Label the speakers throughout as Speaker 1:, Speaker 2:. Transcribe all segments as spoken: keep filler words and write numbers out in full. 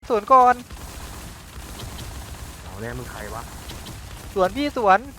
Speaker 1: สวนก่อน
Speaker 2: เอาแน่มึงใครวะ
Speaker 1: สวนพี่สวน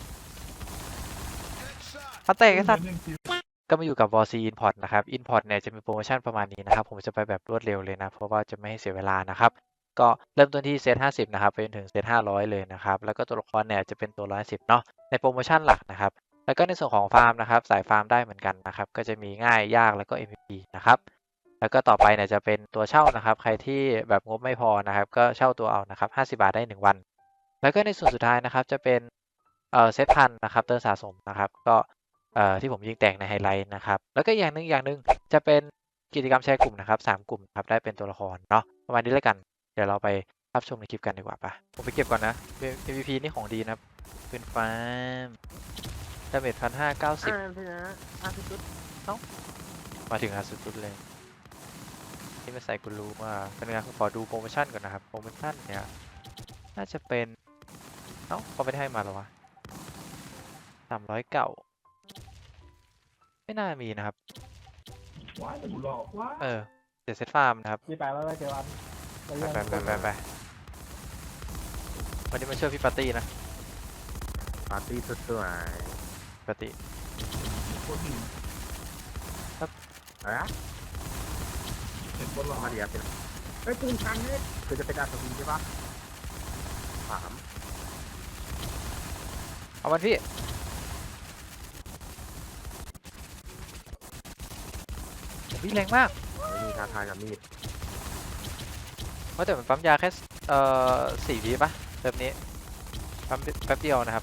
Speaker 1: พัดแตกไอ้สัตว์ก็มาอยู่กับ วอร์ ซี Import นะครับ Import เนี่ยจะมีโปรโมชั่นประมาณนี้นะครับผมจะไปแบบรวดเร็วเลยนะเพราะว่าจะไม่ให้เสียเวลานะครับก็เริ่มต้นที่เซตห้าสิบนะครับไปจนถึงเซตห้าร้อยเลยนะครับแล้วก็ตัวละครเนี่ยจะเป็นตัวหนึ่งร้อยสิบเนาะในโปรโมชั่นหลักนะครับแล้วก็ในส่วนของฟาร์มนะครับสายฟาร์มได้เหมือนกันนะครับก็จะมีง่ายยากแล้วก็ เอ็ม วี พี นะครับแล้วก็ต่อไปเนี่ยจะเป็นตัวเช่านะครับใครที่แบบงบไม่พอนะครับก็เช่าตัวเอานะครับห้าสิบบาทได้หนึ่งวันแล้วก็ในส่วนสุดท้ายนะครับจะเป็นเอ่อเซตพันนะครับเติมสะสมนะครับก็เอ่อที่ผมยิงแตกในไฮไลท์นะครับแล้วก็อย่างหนึ่งอย่างหนึ่งจะเป็นกิจกรรมแชร์กลุ่มนะครับสามกลุ่มครับได้เป็นตัวละครเนาะประมาณนี้แล้วกันเดี๋ยวเราไปรับชมในคลิปกันดีกว่าปะผมไปเก็บก่อนนะ เอ็ม วี พี นี่ของดีนะปืนฟ้าดาเมจพันห้าเก้าสิบ
Speaker 2: อ่าพี่นะอ่ะพี่จุด
Speaker 1: มาถึงอาสุดๆเลยที่มาใส่กูรู้ว่าเป็นไงขอดูโปรโมชั่นก่อนนะครับโปรโมชั่นเนี่ยน่าจะเป็นเอ้าเขาไม่ได้ให้มาหรอวะสามร้อยเก่าไม่น่ามีนะครับ
Speaker 3: ว้ายหลอกว้า
Speaker 1: เออเดี๋ยวเซตฟาร์มนะครับ
Speaker 3: พี่ไปแล้วเจวัน
Speaker 1: ไปไปไปไปไปวันนี้มาช่วยพี่ปาร์ตี้นะ
Speaker 2: ปาร์ตี้สวย
Speaker 1: ปาร์ตี้
Speaker 3: คนหนึ่ง
Speaker 2: ๆอะไรนะ
Speaker 3: เห็นคนหลอก
Speaker 2: มาเดียวเป็นเฮ้ยปืนชันเนี่ยคือจะเป็นดาบสวิงใช่ปะสาม
Speaker 1: เอามันพี่ผมพี่แรงมาก
Speaker 2: ไม่มีท้าทายกับมีด
Speaker 1: ว่าแต่มันปั๊มยาแค่เอ่อสี่วิปะแบบนี้ปั๊มแป๊บเดียวนะครับ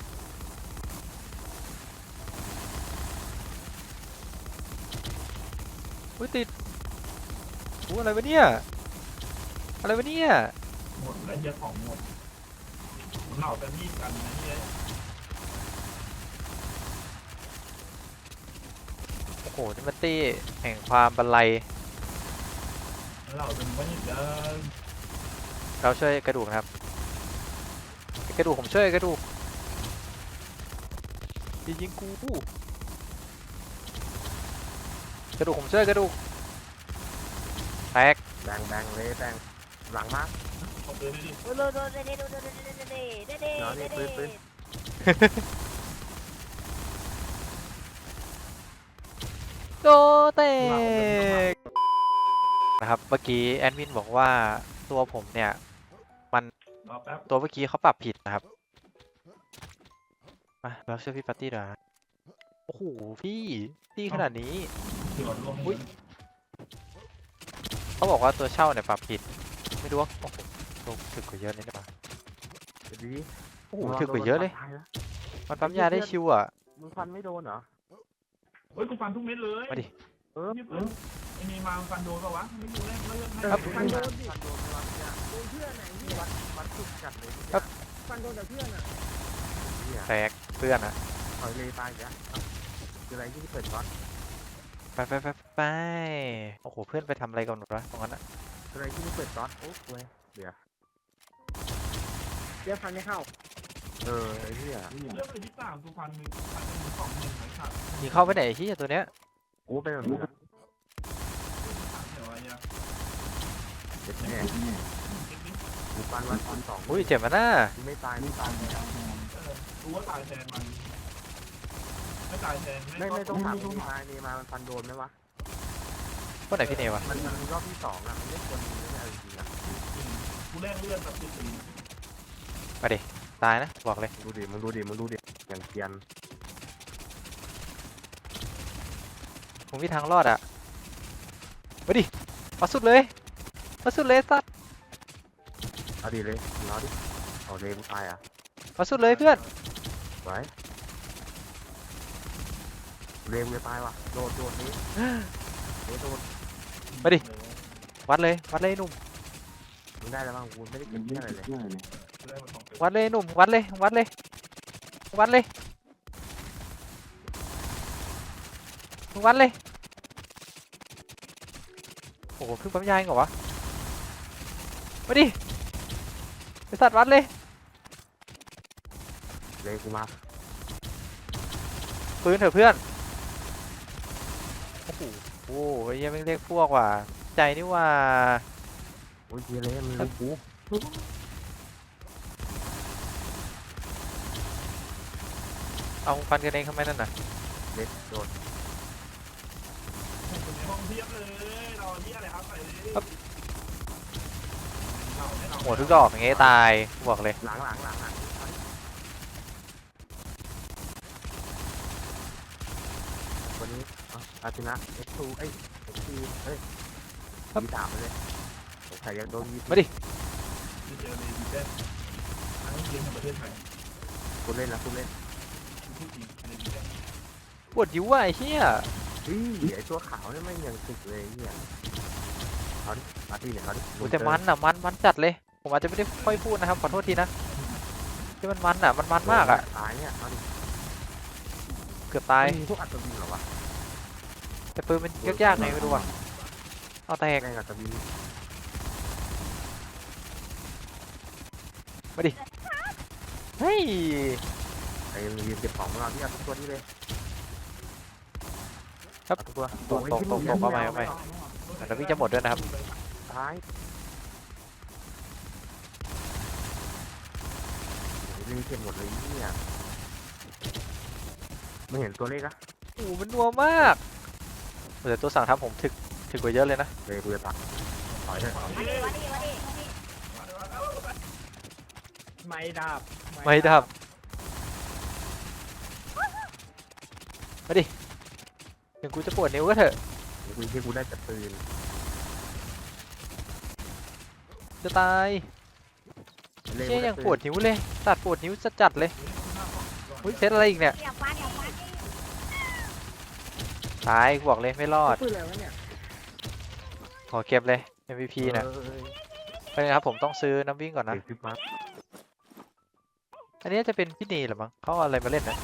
Speaker 1: อุ้ยติดอู้อะไรวะเนี่ยอะไรวะเนี่ย
Speaker 3: หมดแล้วเยอะของหมดเหล่ากันมีดกันนะเนี่ย
Speaker 1: โอ้โหนี่มันตี้แห่งความบันไล
Speaker 3: เหล่าเป็นว่านี่เดิน
Speaker 1: เราช่วยกระดูกนะครับกระดูกผมช่วยกระดูกยิงยิงกูกระดูกผมช่วยกระดูกแตก
Speaker 2: แบงแบงเลยแบงหลังมาก
Speaker 3: ของเดินดิ
Speaker 4: ดูดูดูดูดูดูดูดูดูดูดูดู
Speaker 2: เนาะนี่ปืนปืน
Speaker 1: โดเตกนะครับเมื่อกี้แอดมินบอกว่าตัวผมเนี่ยมัน
Speaker 3: รอแป๊บ
Speaker 1: ตัวเมื่อกี้เขาปรับผิดนะครับมาเราช่วยพี่ปาร์ตี้ด้วยนะโอ้โหพี่พี่ขนาดนี้
Speaker 3: เดี๋ยวลง
Speaker 1: อุ๊ย เขาบอกว่าตัวเช่าเนี่ยปรับผิดไม่รู้ว่าโอ้โหลงถึกกว่าเยอะเลยนะปะ
Speaker 2: เดี๋ยวดี
Speaker 1: โอ้โหถึกกว่าเยอะเลยมันปั๊มยาได้ชิวอ่ะ
Speaker 2: มึงฟันไม่โดนเหรอ
Speaker 3: เฮ้ยกูฟันทุกเม็ดเลย
Speaker 1: มาดิ
Speaker 2: เออ
Speaker 3: นี่เพิ่งไอ้นี่มาฟันโดนป่าวะไม่ดูแลเลือกให้
Speaker 1: ครับ
Speaker 2: ฟันโดนดิฟันโดนไม่ว่าเนี่ย
Speaker 4: โดนเพื่อนไหนพี่
Speaker 2: วัดวัดสุดจัดเลย
Speaker 1: ครับ
Speaker 4: ฟันโดนแต่เพื่อนอ่ะ
Speaker 2: เนี่ย
Speaker 1: แตกเพื่อนอ่ะ
Speaker 2: ถอยเลยตายอีกแล้วคืออะไรที่เปิดก๊อต
Speaker 1: ไปไปไปไปโอ้โหเพื่อนไปทำอะไรกันหมดวะตรงนั้นอ่ะ
Speaker 2: คืออะไรที่ไม่เปิดก๊อตโอ้ยเดี๋ยว
Speaker 4: เดี๋ยวฟันไม่เข้า
Speaker 2: เออไอ้เหี้ย
Speaker 3: เลือกเลยที่สามกูฟันหนึ่งฟันหนึ่งสองหนึ่งไหนขาด
Speaker 1: ยิงเข้าไปไหนที่ตัวเนี้ย
Speaker 2: กูเป็นแบบนี้
Speaker 3: เดี๋ยวอะไรอ่ะ
Speaker 2: เจ็บแน่กูฟันวันฟันสอง
Speaker 1: อุ้ยเจ็บมาหน้า
Speaker 2: กูไม่ตายไม่ตาย
Speaker 3: รู้ว่าตายแทนมันไม่ตายแทน
Speaker 2: ไม่ไม่ต้องถามนี่มานี่มามันฟันโดนไหมวะ
Speaker 1: คนไหนพี่เนวะ
Speaker 2: มันมันรอบที่สองอ่ะมันไม่ควรมีไม่ได้จริงๆอ่ะ
Speaker 3: กูแลกเลือดแบบสุด
Speaker 1: มาดิตายนะบอกเลย
Speaker 2: ดูดิมึงดูดิมึงดูดิอย่างเกียน
Speaker 1: ผมมีทางรอดอ่ะมาดิมาสุดเลยมาสุดเลยสัตว์
Speaker 2: เอาดิเลยรอดิเอาเลยมึงตายอ่ะ
Speaker 1: มาสุดเลยเพื่อน
Speaker 2: ไว้เร็วจะตายว่ะโดดโดดนี้เดี๋ยวโดด
Speaker 1: มาดิวัดเลยวัดเลยหนุ่ม
Speaker 2: มึงได้แล้วบ้างกูไม่ได้เก็บเที่ยอะไรเลย
Speaker 1: วัดเลยหนุ่มวัดเลยวัดเลยวัดเลยมึงวัดเลยโอ้โหเพิ่งปั๊มยาเองเหรอวะมาดิไอสัตว์วัดเลย
Speaker 2: เลยกูมา
Speaker 1: ปืนเถอะเพื่อนโอ้โหโอ้ยยังไม่เรียกพวกว่ะใจนี่ว่า
Speaker 2: โอ้ยเกียร์เลยมึงรู้กู
Speaker 1: เอาฟันกันเองทำไมนั่นน่ะ
Speaker 2: เล็กโดน
Speaker 3: อยู่ในห้องเทียบเลยเราเทียอะไรครับใส่เลยเราไม่เรา
Speaker 1: หัวทุกดอกอย่างเงี้ยตายบอกเลย
Speaker 2: หลังหลังหลังหลังวันนี้อาชนะเอ็กซ์ทูเอ้ยเอ็กซ์ทีเฮ้ยมีสามเลยใส่ยังโดนยี่สิบ
Speaker 1: มาดิ
Speaker 3: ที่เจอในดีเด่นทั้งเกมในประเทศไทย
Speaker 2: คุณเล่นนะคุณเล่น
Speaker 3: พูดจริงในดีเด่น
Speaker 1: ปวดยิ้วว่ะไอ้เหี้ย
Speaker 2: เฮ้ยไอตัวขาวนี่ไม่ยังติดเลยเนี่ยเขาดิมาที่เนี่ยเขาดิ
Speaker 1: โอ้แต่มันอ่ะมันมันจัดเลย ผมอาจจะไม่ได้ค่อยพูดนะครับขอโทษทีนะที่มันมันอ่ะมันมันมากอ่ะ
Speaker 2: ตายเนี่ยเขาดิ
Speaker 1: เกือบตาย
Speaker 2: มีพวกอัศวินเหรอวะ
Speaker 1: แต่ปืนมันยากๆไงไม่รู้อ่ะเอาแตก
Speaker 2: แม่งอัศวิน
Speaker 1: เฮ้ย
Speaker 2: ไอ้มีเก็บของของเราที่เอาทุกตัวนี้เลย
Speaker 1: ครับ
Speaker 2: เอาทุกตัว
Speaker 1: ตกตกตกตกเข้าไปเข้าไปแล้วพี่จะหมดด้วยนะครับ
Speaker 2: ตายรีเก็บหมดเลยเนี่ยไม่เห็นตัวเลขนะ
Speaker 1: โอ้โหมันนัวมากแต่ตัวสั่งทำผมถึกถึกกว่าเยอะเลยนะ
Speaker 2: เลยกูจะตัดถอยเถอะ
Speaker 4: มาดิมาดิมาดิ
Speaker 3: ไม่ดับ
Speaker 1: ไม่ดับมาดิถึงกูจะปวดนิ้วก็เถอะ
Speaker 2: กูที่กูได้แต่ปืน
Speaker 1: จะตายเชี่ยยังปวดนิ้วเลยตัดปวดนิ้วจะจัดเลยอุ้ยเซตอะไรอีกเนี่ย
Speaker 4: อย่าฟันอย่าฟัน
Speaker 1: ตายกูบอกเลยไม่รอด
Speaker 4: ปืนอะไรวะเนี่ย
Speaker 1: ขอเก็บเลย เอ็ม วี พี นะไปนะครับผมต้องซื้อน้ำวิ่งก่อนนะ
Speaker 2: เด็กซิปมา
Speaker 1: อันนี้จะเป็นพี่นีเหรือมั้งเขาเอาอะไรมาเล่นนะ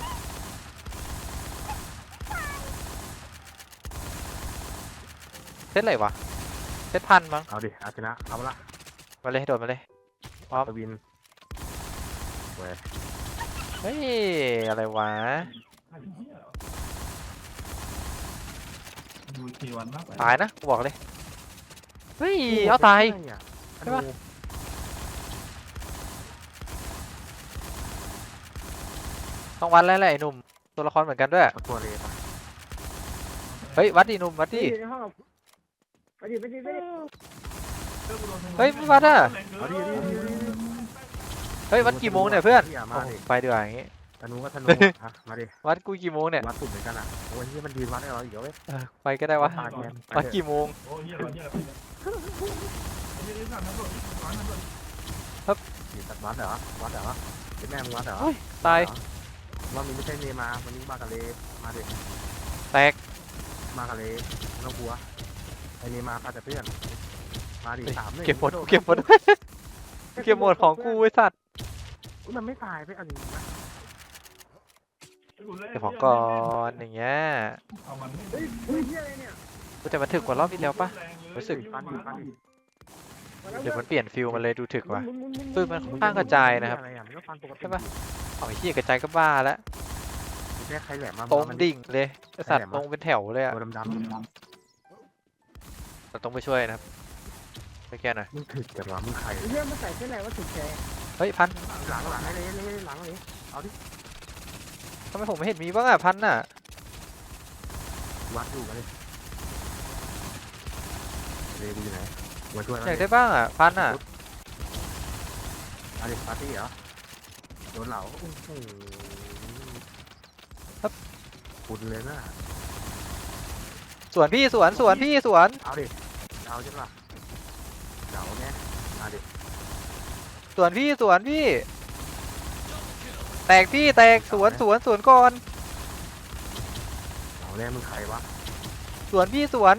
Speaker 1: เซตอะไรวะเซตพันมั้ง
Speaker 2: เอาดิอาชนะเอาละ
Speaker 1: มาเลยโดดมาเลย
Speaker 2: อัศวินเว้ย
Speaker 1: เฮ้ยอะไรวะ
Speaker 3: ดูทีวันมาก
Speaker 1: ตายนะกูบอกเลยเฮ้ยเอาตาย ใช่ปะ ต้องวัดแล้วแหละไอ้หนุ่มตัวละครเหมือนกันด้วย
Speaker 2: เอาตัวเลยปะ
Speaker 1: เฮ้ยวัดดิหนุ่มวัดดิ
Speaker 4: อยู่ในห้องไปดิไปดิไปดิ
Speaker 1: เฮ้ยไม่วัดอ่ะ
Speaker 2: เอาดิเอาดิเอาดิเอาดิ
Speaker 1: เฮ้ยวัดกี่โมงเนี่ยเพื่อน
Speaker 2: อย่ามา
Speaker 1: โอ้
Speaker 2: ดิ
Speaker 1: ไปดีกว่าอย่างงี้
Speaker 2: ธนูก็ธนูอ่ะมาดิ
Speaker 1: วัดกูกี่โมงเนี่ย
Speaker 2: วัดตุ่มเหมือนกันอ่ะโอ้ยที่มันยืนวัดให้เราอีกเว้ย
Speaker 1: เออไปก็ได้วะ
Speaker 2: ตายแทน
Speaker 1: วัดกี่โมง
Speaker 3: โอ้ยเหี้ยเหี้ยเหี้ยสั่งทั้งหมดร้อยทั้งหมด
Speaker 2: อยู่ตัดวัดเหรอวัดเหรอเป็นแม่มึงวัดเหรอ
Speaker 1: เฮ้ยตาย
Speaker 2: ว่ามึงไม่ใช่เนมาวันนี้มากับเลมาดิ
Speaker 1: แตก
Speaker 2: มากับเลไม่ต้องกลัวไอ้เนมาพาแต่เพื่อนมาดิสามหนึ่ง
Speaker 1: เก็บหมดเก็บหมด เก็บหมดของกูไอ้สัตว์
Speaker 2: อุ๊ยมันไม่ตายไปเอันนี้นะ
Speaker 1: เก็บของก่อนอย่างเงี้ย
Speaker 3: เอามัน
Speaker 4: เฮ้ยเฮ้ยเฮียอะไรเนี่ย
Speaker 1: กูแต่มันถึกกว่ารอบที่แล้วปะ รู้สึก
Speaker 2: ฟันดิฟันดิ
Speaker 4: มาแล้ว
Speaker 1: เดี๋ยวมันเปลี่ยนฟิลมันเลยดูถึกว่ะ
Speaker 4: หมุนหมุนหมุน
Speaker 1: ปืนมันค่อนข้างกระจายนะครับ
Speaker 2: อะไรอ่ะมันก็ฟันปกติ
Speaker 1: ใช่ปะ เอาไอ้เหี้ยกระจายก็บ้าแล้ว
Speaker 2: แค่ใครแหลมมา
Speaker 1: ตรง
Speaker 2: มัน
Speaker 1: ดิ่งเลยไอ้สัตว์ตรงเป็นแถวเลยอะ
Speaker 2: ตัวดำๆ
Speaker 1: เราต้องไปช่วยนะครับไปแก้หน่อย
Speaker 2: มึงถึกแต่ว่ามึงใคร
Speaker 4: เฮียมันใส่เส้นอะไรวะถูกแชร์
Speaker 1: เฮ้ยพัน
Speaker 2: หลังหลังให้เลยเลยหลังเลยเอาดิ
Speaker 1: ทำไมผมไม่เห็นมีบ้างอะพันน่ะ
Speaker 2: วัดอยู่กันเลยเลยกูอยู่ไหนมาช่วย
Speaker 1: อยากได้บ้างอะพันอะ
Speaker 2: อะไรปาร์ตี้เหรอโดนเหลาโอ้โหปุดเลยนะ
Speaker 1: สวนพี่สวนสวนพี่สวน
Speaker 2: เอาดิเอาใช่ปะเหลาเนี่ยมาดิ
Speaker 1: สวนพี่สวนพี่ แตกพี่แตกสวนสวนสวนก่อน
Speaker 2: เหลาเนี่ยมึงใครวะ
Speaker 1: สวนพี่สวน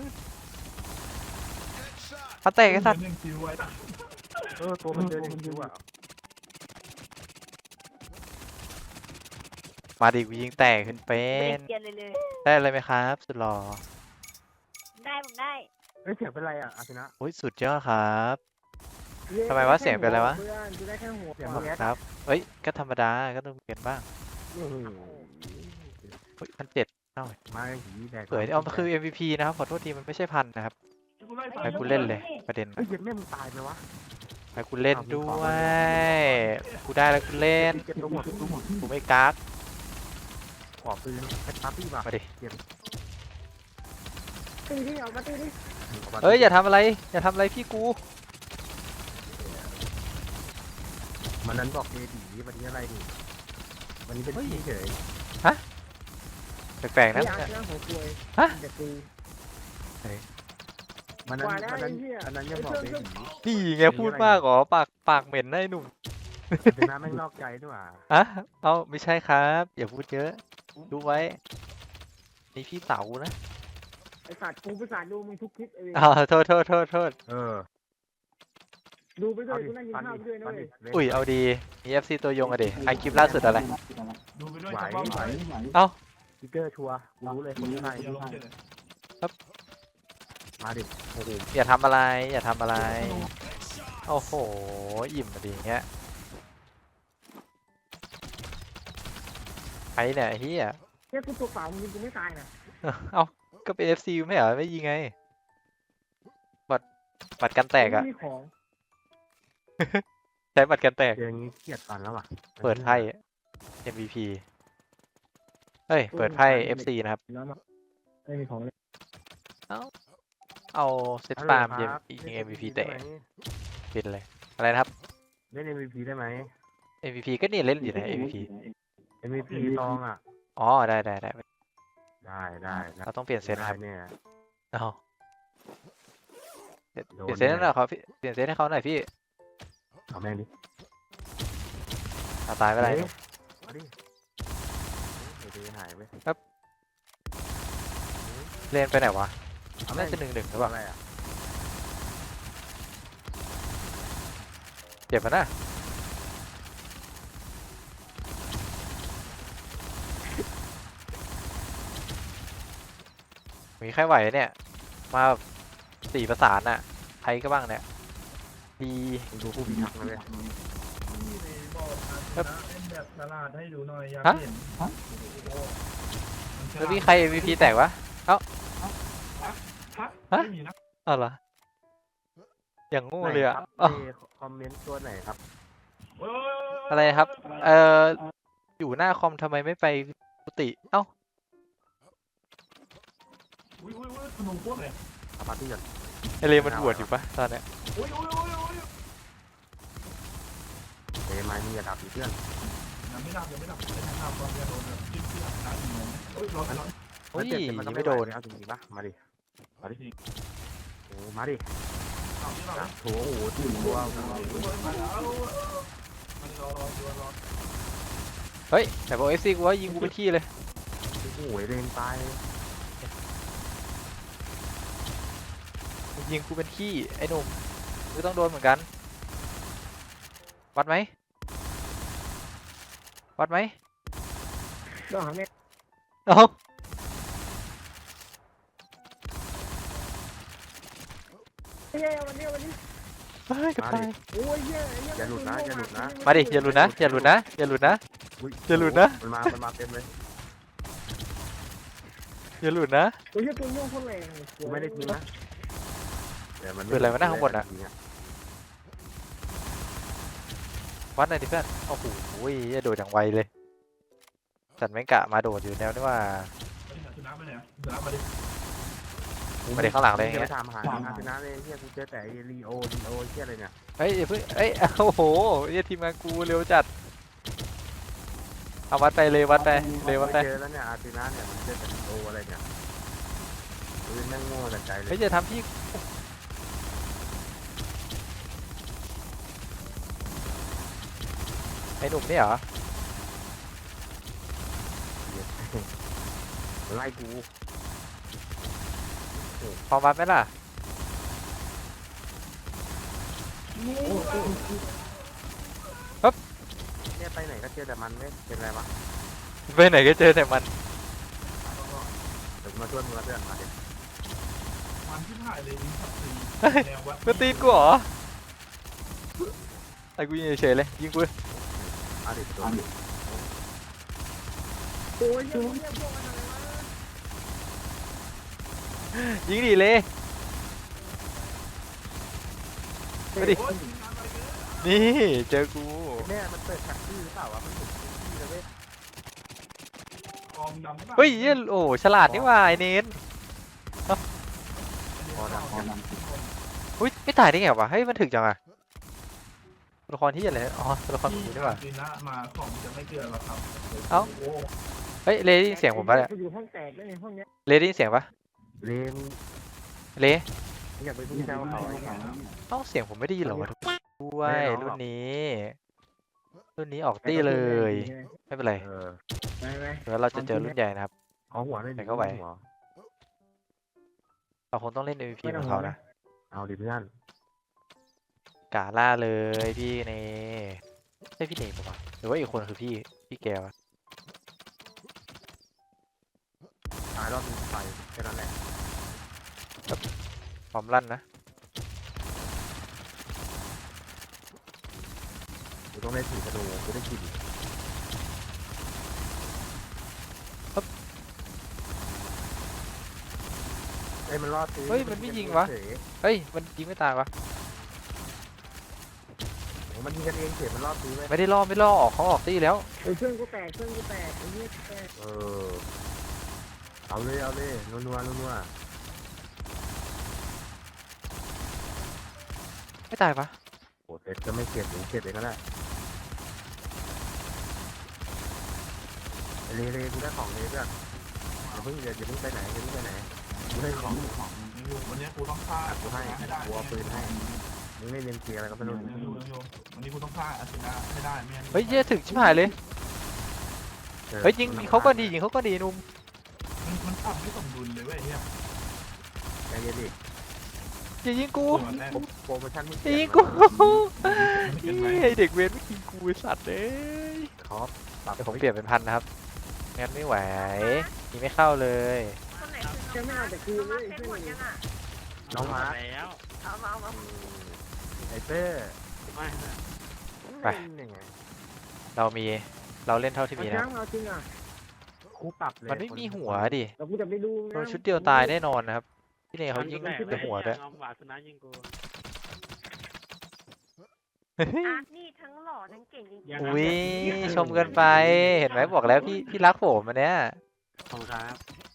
Speaker 1: พันแตกไอ้สัตว์
Speaker 3: หนึ่งคิวไว้
Speaker 2: เออตัวมันเดินอย่างนี้ว่ะ
Speaker 1: มาดิกูยิงแตกขึ้นเป็
Speaker 4: ไม่
Speaker 1: น
Speaker 4: เกียนเลยเลย
Speaker 1: ได้อะไรไหมครับสุดหล่อ
Speaker 4: ได้ผมได้
Speaker 2: เฮ้ยเสียงเป็นไรอ่ะอาชนะ
Speaker 1: โอ้ยสุดยอดครับทำไมวะเสียงเป็นอะไรวะ
Speaker 4: เพื่อนกูได้แค่หัว
Speaker 2: เสียง
Speaker 1: ข
Speaker 2: มึ
Speaker 1: อบ
Speaker 2: ง
Speaker 1: คุณครับเฮ้ยก็ธรรมดาก็ต้องเปลี่ยนบ้าง
Speaker 2: โอ้โห
Speaker 1: เฮ้ยพันเจ็ดเอ้า
Speaker 2: มาหีแดก
Speaker 1: เผยเอามันคือ เอ็ม วี พี นะครับขอโทษทีมันไม่ใช่พันนะครับไปกูเล่นเลยประเด็น
Speaker 2: เฮ้ยเย็นแม่มึงตายไหมวะ
Speaker 1: ให้กูเล่นด้วยกูได้แล้วกูเล่น
Speaker 2: เก็บตัวหมดตัวหมด
Speaker 1: กูไม่กัก
Speaker 2: ขอปืนแอปปาร์ตี้ป่ะ
Speaker 1: มาดิ
Speaker 2: เก็บ
Speaker 4: ตีที่ออกมาตีที่
Speaker 1: เอ้ยอย่าทำอะไรอย่าทำอะไรพี่กู
Speaker 2: มันนั้นบอกเอดีวันนี้อะไรดิวันนี้เป็นพี่เฉย
Speaker 1: แปลกๆ
Speaker 4: ไม่
Speaker 1: นะ
Speaker 4: อยากนะหัวกลวย
Speaker 1: ฮะ
Speaker 4: จะตี
Speaker 2: มันนั้น
Speaker 4: กว่าแล้ว
Speaker 2: มันนั้น
Speaker 4: ไอ้เหี้ย
Speaker 2: อันนั้นยังบอกเอดี
Speaker 1: นี่ไงพูดมากเหรอปากปากเหม็นนะไอ้หนุ่ม
Speaker 2: ชนะแม่งนอกใจด้วยว่ะ
Speaker 1: อะเอาไม่ใช่ครับอย่าพูดเยอะดูไว้นี่พี่เต๋านะ
Speaker 4: ไอ้สัตว์กูไปสัตว์ดูมึงทุกคลิปเอง
Speaker 1: อ้าวโทษโทษโทษโทษ
Speaker 2: เออ
Speaker 4: ดูไปด้วย
Speaker 2: ดิ
Speaker 4: กูนั่งกิน
Speaker 2: ฟัน
Speaker 4: ข้าว
Speaker 2: ดิ
Speaker 4: ไปด้วยนะ
Speaker 2: ฟัน
Speaker 4: เว้
Speaker 2: ดิ
Speaker 4: ย
Speaker 2: เล่น
Speaker 1: อุ้ยเอาดีมี เอฟ ซี ตัวยงอะดิไอคลิปล่าสุดอะไร
Speaker 3: ดูไปด้วย
Speaker 2: ไหว
Speaker 3: จะว่าไหว
Speaker 2: ไหว สติ๊กเกอร์ชัวร์กูรู้เลยคนที่ไหน
Speaker 3: เดี๋ยวลงเฉย
Speaker 2: มาดิโอ้โห
Speaker 1: อย่าทำอะไร อย่าทำอะไรโอ้โหอิ่มอะดีอย่างเงี้ยไอเนี่ยไอ้เฮีย
Speaker 4: เนี่ยกูตัวเปล่ามึงยิงกูไม่ตายนะ
Speaker 1: เอ้าก็เป็น เอฟ ซี ไม่เหรอไม่ยิงไงบัตรบัตรกันแตกอะ
Speaker 4: ไม่มีของ
Speaker 1: ใช้บัตรกันแตก
Speaker 2: เจออย่างงี้เครียดตันแล้วว่ะ
Speaker 1: เปิดไพ่ เอ็ม วี พี เฮ้ย เปิดไพ่ เอฟ ซี นะครับ
Speaker 4: แล้วมาไม่มีของเลย
Speaker 1: เอาเซต
Speaker 2: ฮัลโหล
Speaker 1: ฟาร์ม
Speaker 2: ค
Speaker 1: เอ็ม
Speaker 2: บ
Speaker 1: อีก
Speaker 2: ล่น
Speaker 1: เอ็ม วี พี
Speaker 2: ได้
Speaker 1: แตก
Speaker 2: ไหม
Speaker 1: ปิดเลย อะไรนะครับ
Speaker 2: เล่น เอ็ม วี พี ได้ไหม
Speaker 1: เอ็ม วี พี ก็นี่เล่นอยู่ใน เอ็ม วี พี
Speaker 2: เอ็ม วี พี ตองอ่ะ
Speaker 1: อ๋อ ได้ได้ได้
Speaker 2: ได้ได้ได้
Speaker 1: เราต้องเปลี่ยนเซตนะครับ
Speaker 2: ได้เนี่ย
Speaker 1: อ๋อเปลี่ยน
Speaker 2: โดน
Speaker 1: เปลี่ยนเซตให้หน่อยครับพี่เปลี่ยนเซตให้เขาหน่อยพี่
Speaker 2: เอาแม่งดิ
Speaker 1: เอาตายไปไร
Speaker 2: เฮ้ยมาดิเฮ้ยเดี๋ยวหายไป
Speaker 1: เล่นไปไหนวะ
Speaker 2: เอาแม่
Speaker 1: น่าง จะหนึ่งหนึ่งหรือเปล่า
Speaker 2: อะไรอ่ะ
Speaker 1: เจ็บปะนะมีใครไหวเนี่ย มาแบบสี่ประสานน่ะใครก็บ้างเนี่ย ดี
Speaker 2: มึงดูผู้พิทักษ์นะเว้ย
Speaker 3: นี่เลยบอกนะเล่นแบบตลาดให้ดูหน่อยอยาก
Speaker 1: ฮะ
Speaker 3: เห็น
Speaker 1: แล้วมีใคร เอ็ม วี พี แตกวะ
Speaker 3: ฮะ
Speaker 1: ฮะ
Speaker 3: ไม่มีนะ
Speaker 1: อ้าวเหรอ อย่างโง่
Speaker 2: ไหน
Speaker 1: เลยอะ
Speaker 2: ครับ
Speaker 1: อ้าว
Speaker 2: เอคอมเมนต์ตัวไหนครับ
Speaker 3: โอ้ย
Speaker 1: อะไรครับ เอ่อ อยู่หน้าคอมทำไมไม่ไปกุฏิเอ้า
Speaker 3: อุ้ยอุ้ยอุ้ยขนมพวกเลย
Speaker 2: เอาปาร์ตี้ก่อน
Speaker 1: ไอเลมันบวชอยู่ปะตอนเนี้ย
Speaker 3: อุ้ยอุ้ยอุ้ยอุ้ย
Speaker 2: เอ้ยไม้มีระดับอีกเพื่อน
Speaker 3: ยังไม่ดับยังไม่ดับไม่ดับความจะโดนแบบจิ้มเสื้อตายกี่โมงโอ้ยร้อนร้อน
Speaker 1: โอ้ย
Speaker 2: เจ็บแต่นก็
Speaker 1: ไม่โดน
Speaker 2: ไหวเอาจริงๆปะมาดิ มาดิโอ้มาดิ
Speaker 3: เอาที่เรา
Speaker 2: นะโถโอ้โหถึงตัวโอ้โห
Speaker 3: มาแล้วมันรอรอรอรอ
Speaker 1: เฮ้ย แต่บอกเอฟซีกูว่ายิงกูเป็นที่เลย
Speaker 2: โอ้โหเลนตาย
Speaker 1: ยิงกูเป็นที่ไอ้หนุ่มกูต้องโดนเหมือนกัน วัดไหม วัดไหม
Speaker 4: ต้องหาแม่
Speaker 1: เอ้า
Speaker 4: เฮ้ยวันนี้วันนี้
Speaker 1: เฮ้ยกับ
Speaker 2: มา
Speaker 1: ตา
Speaker 2: ดิ
Speaker 1: ย
Speaker 4: โอ้ยเหี้ยไอ้เหี้
Speaker 2: อย่าหลุดนะอย่าหลุดนะ
Speaker 1: มาดิ อย่าหลุดนะ อย่าหลุดนะ อย่าหลุดนะ
Speaker 2: อุ๊ย
Speaker 1: อย่าหลุดนะ
Speaker 2: มันมา มันมาเต็มเลย
Speaker 1: อย่าหลุดนะ
Speaker 4: โอ้ยเหี้ยตัวม่วงโคนแรง
Speaker 2: กูไม่ได้ทิ้งนะแต่มัน
Speaker 1: เปิดอะไรวะหน้าข้างบนอะ วัดหน่อยดิเพื่อน โอ้โหอย่าโดดอย่างไวเลยสัตว์แม่งกะมาโดดอยู่แนวนี่ว่า
Speaker 3: ชนะไปไหนชนะมาดิ
Speaker 1: มาเด็กข้างหลังเลยอย่าง
Speaker 2: เงี้
Speaker 1: เงี้
Speaker 2: ย
Speaker 1: ย
Speaker 2: ตามหาอาร์เซนอลเลยเฮียกูเจอแต่ลีโอลีโอเฮียอะไรเนี่ย
Speaker 1: เฮ้ยอย่าเพิ่งเอ้ย โอ้โหเหี้ยทีมงานกูเร็วจัด เอาวัดไปเลยวัดไปเลยวัดไป
Speaker 2: เจอแล้วเนี่ยอาร์เซนอลเนี่ยมันเจอแต่ลีโออะไรเนี่ยปืนแม่งโง่แต่ใจเล
Speaker 1: เฮ้ย
Speaker 2: ย
Speaker 1: อย่าทำพี่ไอ้หนุ่มนี่เหรอ
Speaker 2: ไล่กู
Speaker 1: พอวัดไหมล่ะ
Speaker 2: เนี่ยไปไหนก็เจอแต่มันเว้ยเป็นไรวะ
Speaker 1: ไปไหนก็เจอแต่มัน
Speaker 2: เดี๋ยวกูมาช่วยมึงละเพื่อนมาดิ
Speaker 3: มันที่ถ่ายเลยยิงสับตีแนววัด
Speaker 1: ก็ตีนกูเหรอไอ้กูยิงเฉยๆเลยยิงกู
Speaker 2: มาดิโดนดิ
Speaker 4: โอ้ยเหี้ยเหี้ยพวกมันอะไรวะ
Speaker 1: ยิงดีเลยไปดิ
Speaker 3: โอ้ยยิงนานไปเกิน
Speaker 1: นี่เจอกู
Speaker 2: แม่มันเปิดแท็กซี่หรือเปล่าวะมันเห็นแท็กซี่เลยเว้ย
Speaker 3: กองดำ
Speaker 1: เฮ้ยเหี้ยโอ้ฉลาดนี่หว่าไอเนน
Speaker 2: พอดังพอดัง
Speaker 1: อุ้ยไม่ตายได้ไงวะเฮ้ยมันถึกจังอะตัวละครที่อะไรอ๋อตัวละครหมูนี่หว่า
Speaker 3: จีน่ามาของจะไม่เกินหรอกครับ
Speaker 1: เอ้า
Speaker 3: โอ้
Speaker 1: เฮ้ยเลได้ยินเสียงผมปะเนี่ย
Speaker 4: อยู่ห้องแตกได้ในห้องเนี้ย
Speaker 1: เลได้ยินเสียงปะ
Speaker 2: เลน
Speaker 1: เล
Speaker 2: อยากไปพูดแซวเขา
Speaker 1: เอ้าเสียงผมไม่ได้ยินเหรอวะด้วยรุ่นนี้ รุ่นนี้ออกตี้เลย ไม่เป็นไร
Speaker 2: เออ
Speaker 4: ไปไป
Speaker 1: เดี๋ยวเราจะเจอรุ่นใหญ่นะครับ
Speaker 2: เอาหัวเลย
Speaker 1: ไหนก็ไหว
Speaker 2: หัว
Speaker 1: เราคงต้องเล่น เอ็ม วี พี ของเขานะ
Speaker 2: เอาดิเพื่อน
Speaker 1: กาล่าเลยพี่เนใช่พี่เนปะวะหรือว่าอีกคนคือพี่พี่แกวะ
Speaker 2: ตายรอบนี้ไปแค่นั้นแหละ
Speaker 1: พร้อมลั่นนะ
Speaker 2: กูต้องได้ถือกระดูกกูได้กินเอ้ยมันรอดตี
Speaker 1: เฮ้ยมันไม่ยิงวะ
Speaker 2: เฉย
Speaker 1: เฮ้ยมันยิงไม่ตายวะ
Speaker 2: มันยิงกันเองเฉยมันรอดตีไหม
Speaker 1: ไม่ได้ล่อไม่ล่อออกเขาออกตี้แล้ว
Speaker 4: เออเครื่องกูแตกเครื่องกูแตกไอ้เหี้ยแตก
Speaker 2: เออเอาเลยเอาเลยนัวนัวนัวนัว
Speaker 1: ไม่ตายปะ
Speaker 2: โอ้เซ็ตก็ไม่เก็บหรือเก็บเองก็ได้เลเลกูได้ของเลด้วยอย่าเพิ่งอย่าอย่าเพิ่งไปไหนอย่าเพิ่งไปไหนกูให้ของ
Speaker 3: ของอยู่วันนี้กูต้องฆ่า
Speaker 2: กูให้
Speaker 3: ให้ได้
Speaker 2: กูเอาปืนให้มึงไม่เล่นเกียร์อะไรก็ไม่รู้
Speaker 3: อยู่อยู่วันนี้กูต้องฆ่าอาชินะให้ได้ไม่งั้น
Speaker 1: เฮ้ยเหี้ยถึงชิบหายเลยเฮ้ยยิงยิงเขาก็ดียิงเขาก็ดีนุ่ม
Speaker 3: มันมันปรับไม่สมดุลเลยเว้ยเฮีย
Speaker 2: ใจเย็นดิ
Speaker 1: อย่ายิงกู
Speaker 3: ตัวแรก
Speaker 2: โปรโมชั่นมึง
Speaker 1: อย่ายิง
Speaker 2: กู
Speaker 1: กูนี่ไอเด็กเวรไม่ยิงกูไอ้สัตว์เลย
Speaker 2: ครับปรับ
Speaker 1: เดี๋ยวผมเปลี่ยนเป็นพันนะครับงั้นไม่ไหวยิงไม่เข้าเลย
Speaker 5: คนไหน
Speaker 4: แค่ไม่เอาแต่คืน
Speaker 5: คือ
Speaker 4: เล
Speaker 5: มาย เซ็ต
Speaker 4: เพื่
Speaker 5: หม
Speaker 4: อน
Speaker 5: ดยังอ่ะ
Speaker 2: น้องมาร์ค
Speaker 6: แล้ว
Speaker 5: เอามาเอามา
Speaker 2: ไอเต้
Speaker 6: ไม่
Speaker 1: ไป
Speaker 2: ยังไง
Speaker 1: เรามีเราเล่นเท่าที่
Speaker 4: เอา
Speaker 1: มี
Speaker 4: ช้า
Speaker 1: นะ
Speaker 4: งเอาจริงอ่ะ
Speaker 2: คู่ปรับเลย
Speaker 1: มันไม่มีหัวดิ
Speaker 4: เรากูจะไปดู
Speaker 1: โดนชุดเดียวตายแน่นอนนะครับพี่เนยเขายิง
Speaker 6: แตก
Speaker 1: แต่หัวด้วย
Speaker 6: เอาหวาดสุนัขยิงกู
Speaker 5: อาร์ตนี่ทั้งหล่อทั้งเก่งจริง
Speaker 6: ยัง
Speaker 1: อุ้ยชมเกินไปเห็นไหมบอกแล้วพี่พี่รักผมอันเนี้ย
Speaker 6: ขอบคุณครับ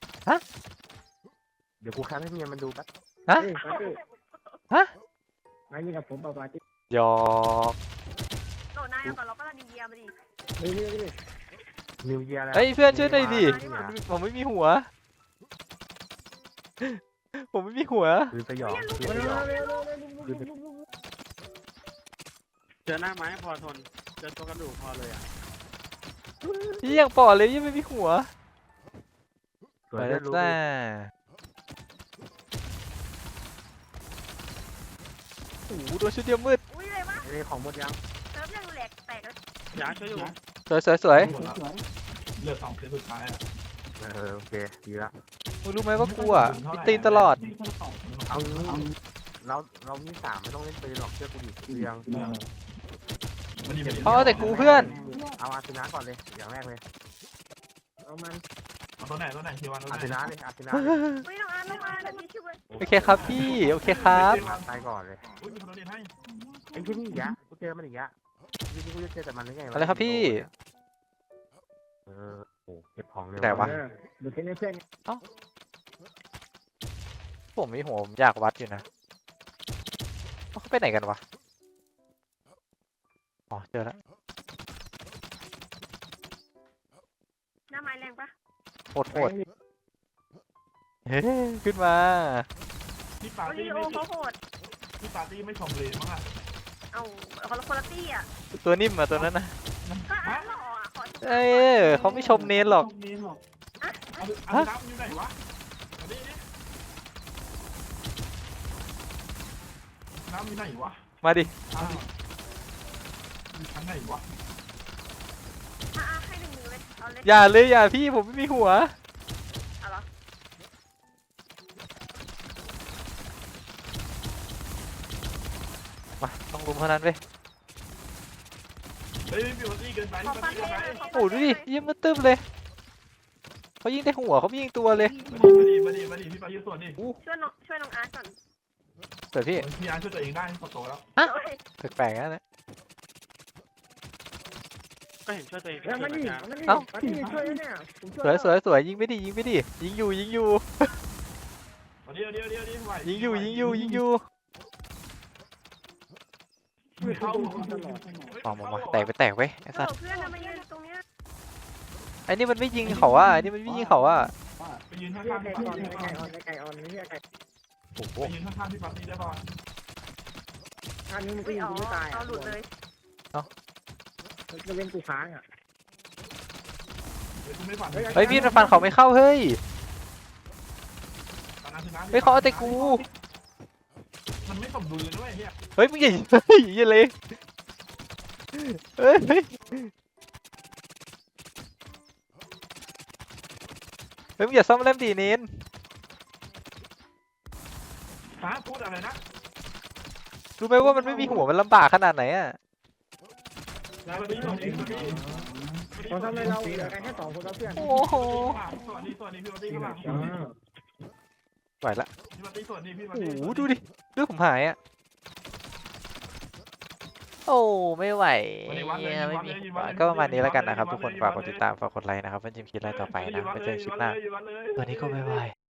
Speaker 2: เดี๋ยวกูแคปให้เมียมันดูแป๊บ
Speaker 1: ฮะ
Speaker 4: เฮ้ยปาร์ตี้
Speaker 1: ฮะ
Speaker 4: มายิงกับผมเปล่าปาร์ตี้
Speaker 1: หยอก
Speaker 5: ๆโดนนายเอาก่อนเราก็ดีเยียมาดิ
Speaker 4: เฮ้ยเฮ้ยเฮ้ย
Speaker 2: นิวเยียร์แล้ว
Speaker 1: เฮ้ยเพื่อนช่วยหน่อยดิ
Speaker 2: นี่นะ
Speaker 1: ผมไม่มีหัว ผมไม่มีหัว
Speaker 2: ปืนสยองปืน
Speaker 4: มา
Speaker 2: สยอง
Speaker 4: เร็วเร็วเร็วเร็วเร็วเร็วเร็ว
Speaker 6: เจอหน้าไม้พอทน เจอตัวกระดูกพอเลยอ่ะ
Speaker 1: พี่ยังปอดเลยยังไม่มีหัว
Speaker 2: สวย
Speaker 1: ไป
Speaker 2: ได้
Speaker 1: แล้ว
Speaker 2: รู้
Speaker 1: จ้าโอ้โหโดนชุดเดียวมืด
Speaker 5: อุ้ยเลยวะ
Speaker 2: ไอ้ของหมดยัง
Speaker 5: เซิร์ฟยังแหลกแตกแล้ว
Speaker 6: อยากช่วยอยู่
Speaker 1: สวยสวยสวย
Speaker 3: เหลือสองเซตสุดท้ายอ่ะ
Speaker 2: เออโอเคดีละ
Speaker 1: มึงรู้ไหมว่ากูอ่ะมีตีนตลอด
Speaker 2: เอางี้เราเรามีสามไม่ต้องเล่นปืนหรอกเชื่อกูดิเรียง
Speaker 1: เพราะเอาแต่กูเพื่อน
Speaker 2: เอาอาร์เซนาก่อนเลยอย่างแรกเลย
Speaker 4: เอามัน
Speaker 3: เอาตัวไหนตัวไหนทีวันตัว
Speaker 2: อาร์
Speaker 3: ไห
Speaker 2: เซ
Speaker 3: น
Speaker 2: นาเลยอาร์เซนา
Speaker 5: เฮ้ยน้องอาร์ตน้องอาร์ตแบบนี้ช่วย
Speaker 1: โอเคครับพี่โอเคครับ
Speaker 2: ตายก่อนเลย
Speaker 3: อุ้ยมีคนเล่นให้
Speaker 2: ไอ้ที่นี่อีกอะกูเจอมันอีกอะทีนี้กูจะเจอแต่มันได้ไงวะ
Speaker 1: อะไรครับพี่
Speaker 2: เออโอ้เก็บของเร็ว
Speaker 1: ไหนวะ
Speaker 4: เออดูแค่นี้เพื่อน
Speaker 1: ผมมีหัวผมอยากวัดอยู่นะเขาไปไหนกันวะอ๋อเจอแล้ว
Speaker 5: หน้าไม้แรงปะ
Speaker 1: โหดโหดเฮ้ยขึ้นมา
Speaker 3: พี่ปาร์
Speaker 5: โอ้ย
Speaker 3: ตี้
Speaker 5: โอ
Speaker 3: ไม่
Speaker 5: เขาโหด
Speaker 3: พี่ปาร์ตี้ไม่ชมเลยมั้งอ่ะ
Speaker 5: เอาคนละคนละตี้อ่ะ
Speaker 1: ตัวนิ่มอะตัวนั้นนะ
Speaker 5: ก็อาร์ตหล่ออ่ะขอชม
Speaker 1: เอ้ยเขาไม่ชมเน้นหรอก
Speaker 3: เน้นหรอก
Speaker 5: อ่ะ
Speaker 3: เอาเอาน้ำอยู่ไหนวะเอาดิน้ำอยู่ไหนวะ
Speaker 1: มาดิ
Speaker 3: อ้าวอยู่ชั้นไหนวะ
Speaker 5: อ่ะอ่ะให้หนึ่งมือเลยเอาเลย
Speaker 1: อย่าเลยอย่าพี่ผมไม่มีหัว
Speaker 5: เอาเหรอ
Speaker 1: มาต้องรุมเท่านั้นเว้ย
Speaker 3: เฮ้ยพี่ปาร์ตี้เกินไป
Speaker 5: ขอ
Speaker 3: พี่
Speaker 5: ฟั
Speaker 3: ปาง ร์ตี้
Speaker 5: เท
Speaker 3: เกิน
Speaker 5: ห
Speaker 3: ไป
Speaker 5: น่อยขอ
Speaker 1: โอ้
Speaker 5: ฟัง
Speaker 1: ดู
Speaker 5: เท
Speaker 1: ดิ
Speaker 5: หน่อย
Speaker 1: ยิงมาตึ้มเลยเขายิงแต่หัวเขาไม่ยิงตัวเลย
Speaker 3: มาดิมาดิมาดิพี่ปาร์ตี้ส่วนดิ
Speaker 5: ช่วยน้องช่วยน้องอาร์ตก่อน
Speaker 1: เปิดพี่
Speaker 3: พี่อาร์ช่วยตัวเองได้พอโตแล้ว
Speaker 5: โอ้ย
Speaker 1: แปลกๆนะเนี่ย
Speaker 6: ก็เห็นช่วยตัวเอง
Speaker 4: แล้วมันนี่
Speaker 6: ช่วย
Speaker 4: มันนี่
Speaker 1: เอ้า
Speaker 4: มันนี่ช่วยแล้วเนี่ยผมช่
Speaker 1: สวยสวยสวยยิงไม่ดิยิงไม่ดิยิงอยู่ยิงอยู่
Speaker 3: เดี๋ยวเดี๋ยวเดี๋ยวเดี๋ยวไหว
Speaker 1: ยิงอยู่ยิงอยู่ยิงอยู่
Speaker 3: ไม่เข้า
Speaker 1: ออกมามาแตกไปแตกไว้ไอ้
Speaker 5: โอ้
Speaker 1: สัส
Speaker 5: เพื่อนนะมายืนตรงเนี้ย
Speaker 1: ไอ้นี่มันไม่ยิงเขาอ่ะไอ้นี่มันไม่ยิงเขาอ่ะ
Speaker 3: ไปยืนข้าง
Speaker 4: เรียก
Speaker 3: ๆ
Speaker 4: ไก่
Speaker 3: พี่
Speaker 4: อ่อน
Speaker 3: ปาร์ตี้
Speaker 4: ไก่อ่อนไก่อ่อนไม่ใช่ไก่
Speaker 1: โอ้โห
Speaker 3: ไปยืนข้างๆพี่ปาร์ตี้ได้ป่ะ
Speaker 4: ท่านี้มันก็
Speaker 5: ไม่
Speaker 4: ยิง
Speaker 5: อ๋อ
Speaker 4: กูไม่ตาย
Speaker 5: เอาหลุดเลย
Speaker 4: มันจะเป็นกูค้างอ่ะ
Speaker 3: เดี๋ยวกูไม่ฝัน
Speaker 1: เฮ้ยมีดมันฟันเขาไม่เข้าเฮ้ย
Speaker 3: ตอนนั้นชนะ
Speaker 1: เฮ้ยเขาเอาแต่กู
Speaker 3: มันไม่สมดุลเลยด้วยเฮีย
Speaker 1: เฮ้ยมึงอย่าเฮ้ยอย่าเลยเฮ้ยเฮ้ยเฮ้ยมึงอย่าซ่อมแลมดีเน้น
Speaker 3: ฮะพูดอะไรนะ
Speaker 1: รู้ไหมว่ามันไม่มีหัวมันลำบากขนาดไหนอ่ะ
Speaker 3: สวัสดีสวัสดีสวัสดี
Speaker 4: ตอนทำไมเราเหลือกันแค่สองคนแล้วเพื่อน
Speaker 1: โอ้โห
Speaker 3: สวัสดีสวัสดีพี่ปาร์ตี้ข้างหลัง
Speaker 1: ไหวละ
Speaker 3: พี่ปาร์ตี้สวัสดีพี่ปา
Speaker 1: โอ้
Speaker 3: ร์
Speaker 1: โห
Speaker 3: ตี้
Speaker 1: ดูดิเลือดผมหายอ่ะโอ้ไม่ไหวเนี่ยไม่มีหัวก็ประมาณนี้แล้วกันนะครับทุกคนฝากกดติดตามฝากกดไลค์นะครับเพื่อนจิมคิดอะไรต่อไปนะไปเจอกันคลิปหน้าวันนี้ก็บ๊ายบาย